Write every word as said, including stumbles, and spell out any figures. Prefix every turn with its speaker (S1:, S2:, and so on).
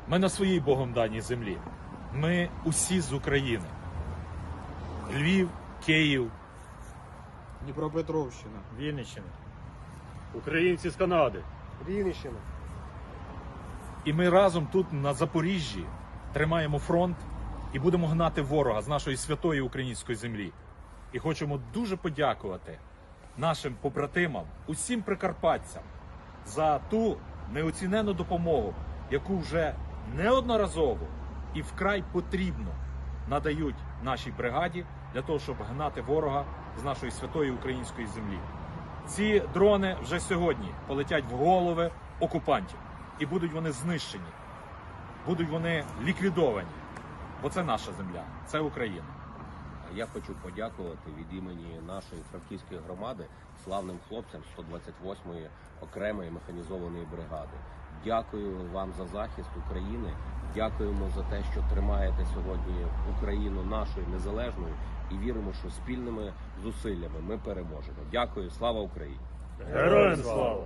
S1: Ми на своїй Богом даній землі. Ми усі з України. Львів, Київ,
S2: Дніпропетровщина,
S3: Вінниччина, українці з Канади.
S2: Рівненщина.
S1: І ми разом тут на Запоріжжі тримаємо фронт і будемо гнати ворога з нашої святої української землі. І хочемо дуже подякувати нашим побратимам, усім прикарпатцям за ту неоцінену допомогу, яку вже неодноразово і вкрай потрібно надають нашій бригаді для того, щоб гнати ворога з нашої святої української землі. Ці дрони вже сьогодні полетять в голови окупантів. І будуть вони знищені, будуть вони ліквідовані. Бо це наша земля, це Україна.
S4: Я хочу подякувати від імені нашої франківської громади славним хлопцям сто двадцять восьмої окремої механізованої бригади. Дякую вам за захист України, дякуємо за те, що тримаєте сьогодні Україну нашою незалежною і віримо, що спільними зусиллями ми переможемо. Дякую, слава Україні!
S3: Героям слава!